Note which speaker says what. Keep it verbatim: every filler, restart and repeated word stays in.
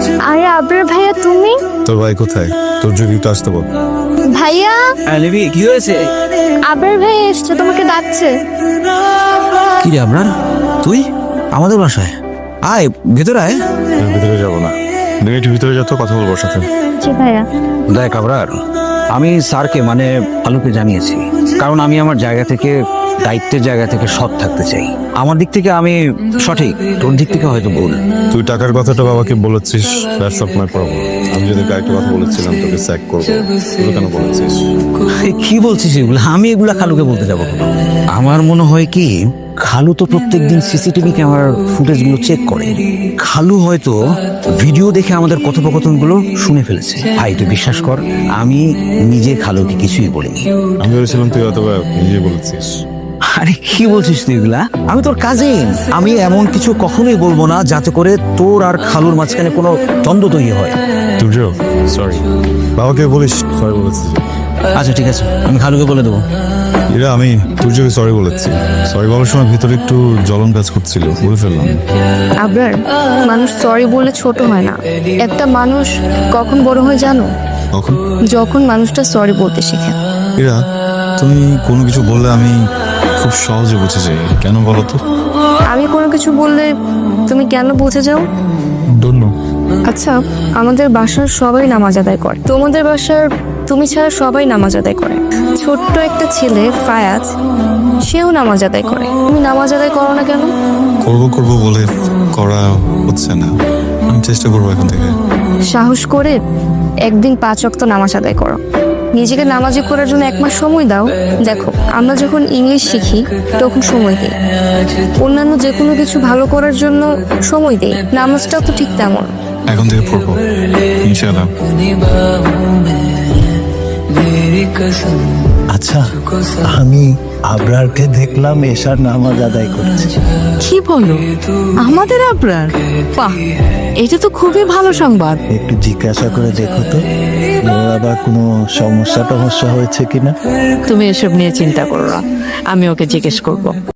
Speaker 1: আরে আবরার ভাইয়া তুমি?
Speaker 2: তোর ভাই কোথায়? তোর যদি একটু আসতে বল।
Speaker 1: ভাইয়া
Speaker 3: লিবি কি হয়েছে?
Speaker 1: আবরার ভাইয়া এসছে, তোমাকে ডাকছে।
Speaker 3: কি রে আপনার? তুই আমাদের বাসায় আয়, ভেতরে আয়।
Speaker 2: আমি ভিতরে যাবো না, তুমি একটু ভিতরে যাও তো, কথা বলবো ওর সাথে।
Speaker 1: জি ভাইয়া।
Speaker 3: দেখ আবরার, আমি স্যারকে মানে আলুকে জানিয়েছি, কারণ আমি আমার জায়গা থেকে, দায়িত্বের জায়গা থেকে সৎ থাকতে চাই। আমার দিক থেকে আমি সঠিক, তোর দিক থেকে হয়তো ভুল।
Speaker 2: তুই টাকার কথাটা বাবাকে বলেছিস, দ্যাটস অফ মাই প্রবলেম। আমি যদি আরেকটা কথা বলেছিলাম তোকে স্যাক করবো, তুই কেন বলেছিস?
Speaker 3: কি বলছিস এগুলো? আমি এগুলা খালুকে বলতে যাবো কেন? আমার মনে হয় কি, খালু তো প্রত্যেকদিন সিসিটিভি ক্যামেরার ফুটেজগুলো চেক করে। খালু হয়তো ভিডিও দেখে আমাদের কথোপকথনগুলো শুনে ফেলেছে। ভাই তুই বিশ্বাস কর, আমি নিজে খালুকে কিছুই বলিনি।
Speaker 2: আমি ভেবেছিলাম তুই হয়তো নিজে বলেছিস।
Speaker 3: আরে কি বলছিস তুই এগুলা? আমি তোর কাজিন, আমি এমন কিছু কখনোই বলবো না যাতে করে তোর আর খালুর মাঝখানে কোনো দ্বন্দ্ব তৈরি হয়।
Speaker 2: তুই সরি, বাবাকে বলিস সরি বলেছি।
Speaker 3: আচ্ছা ঠিক আছে, আমি খালুকে বলে দেবো।
Speaker 2: এরা আমি তুর্যকে সরি বলেছি। সরি বলার সময় ভিতরে একটু জ্বলন কাজ করছিল, বলে ফেললাম।
Speaker 1: আবরার, মানুষ সরি বলে ছোট হয় না। একটা মানুষ কখন বড় হয় জানো?
Speaker 2: কখন?
Speaker 1: যখন মানুষটা সরি বলতে শেখে।
Speaker 2: এরা তুমি কোনো কিছু বললে আমি খুব সহজে বুঝে যাই, কেন বলো তো?
Speaker 1: আমি কোনো কিছু বললে তুমি কেন বুঝে যাও?
Speaker 2: Don't know.
Speaker 1: আচ্ছা, আমাদের বাসার সবাই নামাজ আদায় করে, তোমাদের বাসার তুমি ছাড়া সবাই নামাজ আদায় করে। ছোট্ট একটা ছেলে ফায়াজ, সেও নামাজ আদায় করে। তুমি নামাজ আদায় করো না কেন?
Speaker 2: করবো করবো বলে করা হচ্ছে না। আমি চেষ্টা করবো এখন থেকে।
Speaker 1: সাহস করে একদিন পাঁচ ওয়াক্ত নামাজ আদায় করো। নিজেকে নামাজি করার জন্য এক মাস সময় দাও। দেখো, আমরা যখন ইংলিশ শিখি তখন সময় দিই, অন্যান্য যে কোনো কিছু ভালো করার জন্য সময় দিই। নামাজটাও তো ঠিক তেমন।
Speaker 2: এখন থেকে পড়বো ইনশাআল্লাহ।
Speaker 4: আচ্ছা, আমি আবরারকে দেখলাম এশার নামাজ আদায় করছে।
Speaker 5: কি বলো? আমাদের আবরার? বাহ, এটা তো খুবই ভালো সংবাদ।
Speaker 4: একটু জিজ্ঞাসা করে দেখো তো, ওর আবার কোনো সমস্যা টমস্যা হয়েছে কিনা।
Speaker 5: তুমি এসব নিয়ে চিন্তা করো না, আমি ওকে জিজ্ঞেস করবো।